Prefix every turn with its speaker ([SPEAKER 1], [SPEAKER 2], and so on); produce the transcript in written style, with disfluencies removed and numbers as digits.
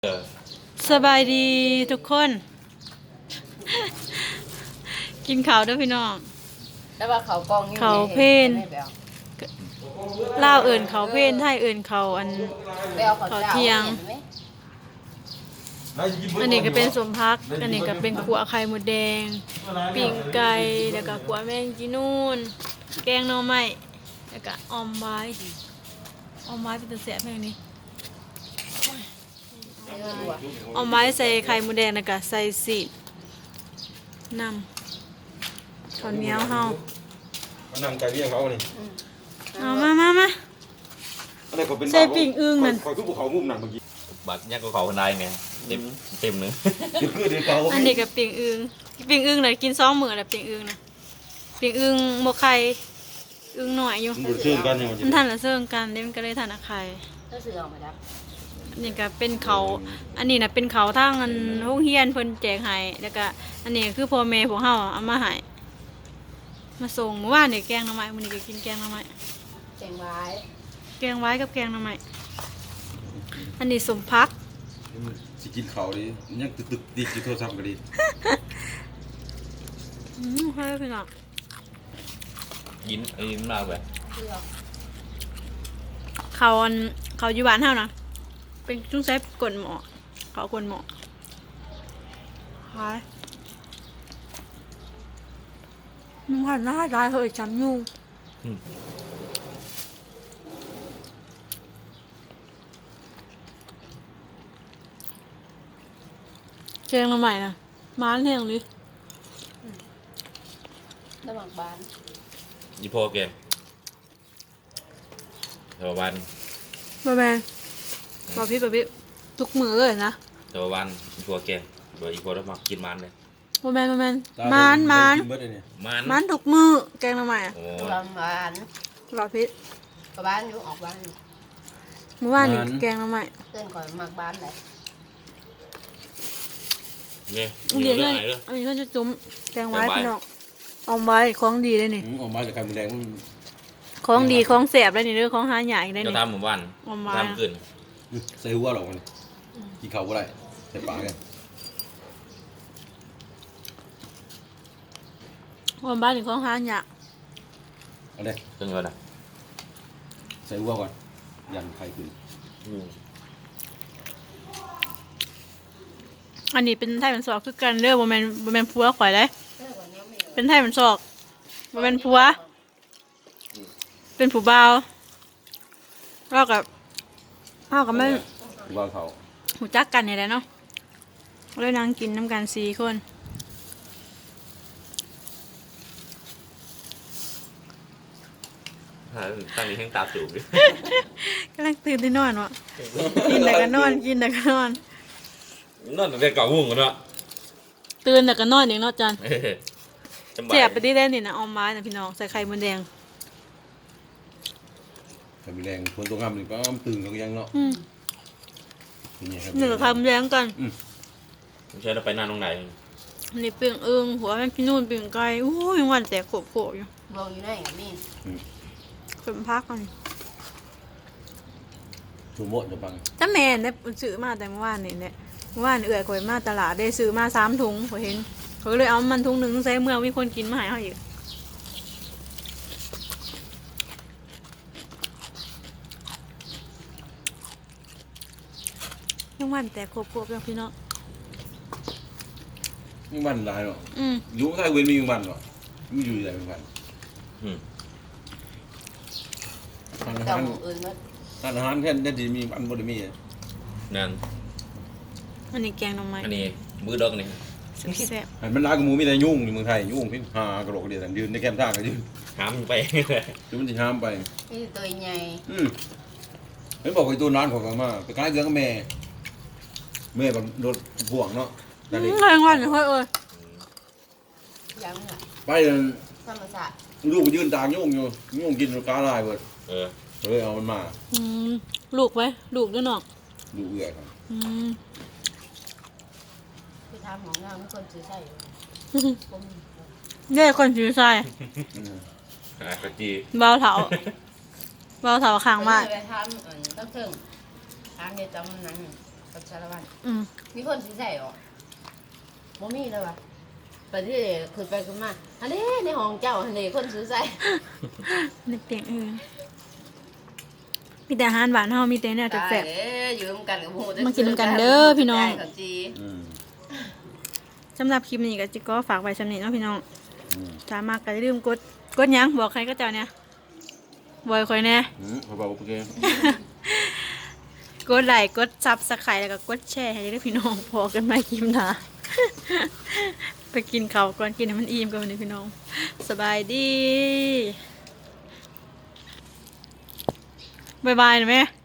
[SPEAKER 1] สบายดีทุกคน กินข้าวด้วยพี่น้อง
[SPEAKER 2] แล้วว่าเขากองอยู่
[SPEAKER 1] เขาเพนลาวเอิ่นเขาเพนไทยเอิ่นเขาอันเขาเที่ยงอันนี้ก็เป็นสมพักอันนี้ก็เป็นขัวไข่มดแดงปิ้งไก่แล้วก็ขัวแมงจีนูนแกงหน่อไม้แล้วก็ออมไม้เป็นตะแสบแม่งนี้เอาไม้ใส่ไข่มดแดงแล้วก็ใส่สีน้ำข้าวเหนียวเฮา
[SPEAKER 3] นั่งไก่เลี้ยงเขานี่
[SPEAKER 1] เอามาใส่ปิ่งอึ่งนั่น
[SPEAKER 3] คอยทุบเขามุมนั่นเมื่อกี้
[SPEAKER 4] บัดเนี่ยก็เขาคนใดไงเต็มนึง
[SPEAKER 3] คือเดี๋ยวเขา
[SPEAKER 1] อันนี้กับปิ่งอึ่งน่ะกิน2 มื้อแล้วปิ่งอึ่งน่ะปิ่งอึ่งหมกไข่อึ่งหน่อยอยู่
[SPEAKER 3] มันเชื่อกันอย่าง
[SPEAKER 1] มันทันละเซิงกันเด้มันก็เลยทันอะไข่
[SPEAKER 2] ก็ซื้อออกมาแล้ว
[SPEAKER 1] อันนี้ก็เป็นเขาอันนี้น่ะเป็นเขาทางอันโรงเรียนเพิ่นแจกให้แล้วก็อันนี้คือพ่อแม่พวกเฮาเอามาให้มาส่งเมื่อวานนี่แกงหน่อไม้มื้อนี้ก็กินแกงหน่อไม้
[SPEAKER 2] แกงไว้
[SPEAKER 1] กับแกงหน่อไม้อันนี้สมพัก
[SPEAKER 3] สิกินเขาดิยังตึกดีกินโทรศัพท์ก็ดี
[SPEAKER 1] ให้พี่น้อง
[SPEAKER 4] ยิ้มมากแบบ
[SPEAKER 1] เขาอยู่บ้านเฮานะเป็นจุ้งใช้กลหมอเขากลหมอหายมึงหันหน้าได้เหยจำยุ่งเจงมาใหม่นะม้านแห้งเลย
[SPEAKER 2] ระหว่างบ้าน
[SPEAKER 4] ยี่พ่อแกเทววัน
[SPEAKER 1] บะแมนบะพี่ทุกมือเลยนะ
[SPEAKER 4] เทววันยี่พ่อแกโดยยี่พ่อต้องมากินมันเลย
[SPEAKER 1] บะแมนมันทุกมือแกงมาใหม่
[SPEAKER 2] ระหว่างบ้าน
[SPEAKER 1] บะพี่
[SPEAKER 2] กับบ้านอยู่ออกบ้าน
[SPEAKER 1] เมื่อวานนี่แกงมาใหม่
[SPEAKER 2] เต้นก่อนมากบ้านเลย
[SPEAKER 4] เนี่ย
[SPEAKER 1] เดี๋ยวเลยอันนี้ก็จะจุ่มแกงไว้พี่น้องเอาไว้ของดีเลยนี่
[SPEAKER 3] ออกมาจากไข่มดแดง
[SPEAKER 1] ของดีของแสบเลยนี่เรื่องของหาใหญ่ได้นี่
[SPEAKER 4] จะทำเหมือนวันทำขึ้น
[SPEAKER 3] ใส่หัวหรอกมันกินเขาก็ได้ใส่ปากกัน
[SPEAKER 1] ของบ้านนี่ของหาใหญ่
[SPEAKER 3] เอาเลย
[SPEAKER 4] เป็นยังไงนะ
[SPEAKER 3] ใส่หัวก่อนยันไข่ขึ้น
[SPEAKER 1] อันนี้เป็นไทยมันซอกคือกันเด้อบ่แม่นผัวข่อยเลยเป็นไทยมันซอกบ่แม่นผัวเป็นผู้บ่าวเรากับไม่
[SPEAKER 3] ว่าเขา
[SPEAKER 1] หูจักกันนี่แหละเนาะเลยนั่งกินน้ำกัน4 คน
[SPEAKER 4] ตั้งนี้แห้งตาจูบดิ
[SPEAKER 1] กำลังตื่นที่นอนวะกินแต่ก็นอน
[SPEAKER 4] นแต่เก่าหุ่งกันเนาะ
[SPEAKER 1] ตื่นแต่ก็นอนอย่างนอนจันเจ็บไปที่เล่นนี่นะออมไม้นะพี่น้องใส่ไข่มดแดง
[SPEAKER 3] ไข่มดแดงคนตัวงามนี่ก็ตื่นเขายังเนาะ
[SPEAKER 1] หนึ่งไข่มดแดงกัน
[SPEAKER 4] ไม่ใช่เราไปนานตรงไหน
[SPEAKER 1] นี่เปลี่ยงเอิงหัวมันพี่นู่นเปลี่ยงไก่โอ้ยวันแต่โขบอยู่
[SPEAKER 2] ลงอยู่ไหนนี่
[SPEAKER 1] เพิ่มพักกัน
[SPEAKER 3] ถูหมดจะบัง
[SPEAKER 1] ถ้าแม่เนี่ยซื้อมาแต่เมื่อวานนี่เนี่ยเมื่อวานเอื่อยข่อยมาตลาดได้ซื้อมา3 ถุงข่อยเห็นเขาเลยเอามันถุง 1ใส่เมื่อมีคนกินมาให้เขาอีกยังวันแต่โขบยังพี่น้อง
[SPEAKER 3] มีวันหลายเนาะอยู่ใต้เวรมีวันเนาะมีอยู่ไหนมีวัน
[SPEAKER 2] เจ้าหมูอื่นมั้ย
[SPEAKER 3] อาหารแค่ได้ดีมีอันบ่ได้มี
[SPEAKER 4] นั่น
[SPEAKER 1] อันนี้แกงหน่อไม้
[SPEAKER 4] อันนี้มื้อดอกนี่
[SPEAKER 1] แซ่บ
[SPEAKER 3] ๆมันร้านกับหมูมีแต่ยุ่งอยู่เมืองไทยยุ่งพี่หากระโหลกเดียวกันยืนในแคมป์ท่าก็ยืน
[SPEAKER 4] ห้ามไป
[SPEAKER 3] คือมันสิห้ามไป
[SPEAKER 2] นี่ตัวใหญ่
[SPEAKER 3] เห็นบอกไอ้ตัวนั้นของกันมาไปกลายเกลือกับแม่แบบโดนห่วงเนาะ
[SPEAKER 1] นั่นเองแรงวันเฮ้ย
[SPEAKER 2] ยังอ่ะ
[SPEAKER 3] ไป
[SPEAKER 2] ธรรมศาสตร์
[SPEAKER 3] ลูกยืนตากยุ่งอยู่ยุ่งกินกาลายเบิดเลยเอามันมา
[SPEAKER 1] ลูกไว้ลูกด้วยเนาะ
[SPEAKER 3] ลูกเอื้อยครับ
[SPEAKER 2] ไปทำของงานไม่คนซื้อใส่
[SPEAKER 1] เนี่ยคนซื้อใส่
[SPEAKER 4] กะจี
[SPEAKER 1] เบาเถาข้างมาก
[SPEAKER 2] ไปทำต้องถึงทางเดียวจำนั้นกับสารวัตร
[SPEAKER 1] อืม
[SPEAKER 2] มีคนซื้อใส่หรอบ่มีเลยวะไปที่คุยไปคุยมาอันนี้ในห้องเจ้าอันนี้คนซื้อใส่
[SPEAKER 1] ในเตียงอื่นมีแต่อาหารหวานเฮามีแต่เนี่ยแซ่บ
[SPEAKER 2] อยู่ร่วมกันกับหมู
[SPEAKER 1] มากินกันเด้อพี่น้อง
[SPEAKER 2] ข้าวจี
[SPEAKER 3] อืม
[SPEAKER 1] ๆสำหรับคลิปนี้ก็จิก็ฝากไว้สำนี้เนาะพี่น้อง
[SPEAKER 3] อืม
[SPEAKER 1] ถ้ามากก็อย่าลืมกดหยังบอกใครก็เจ้าเนี่ยบอยคอยแน่
[SPEAKER 3] พอบอกโอเค
[SPEAKER 1] กดไลค์กดซับสไครต์แล้วก็กดแชร์ให้ได้พี่น้องพอกันใหม่คลิปหน้า ไปกินข้าวก่อนกินให้มันอิ่มก่อนวันนี้พี่น้องสบายดีบ๊ายบายนะแม่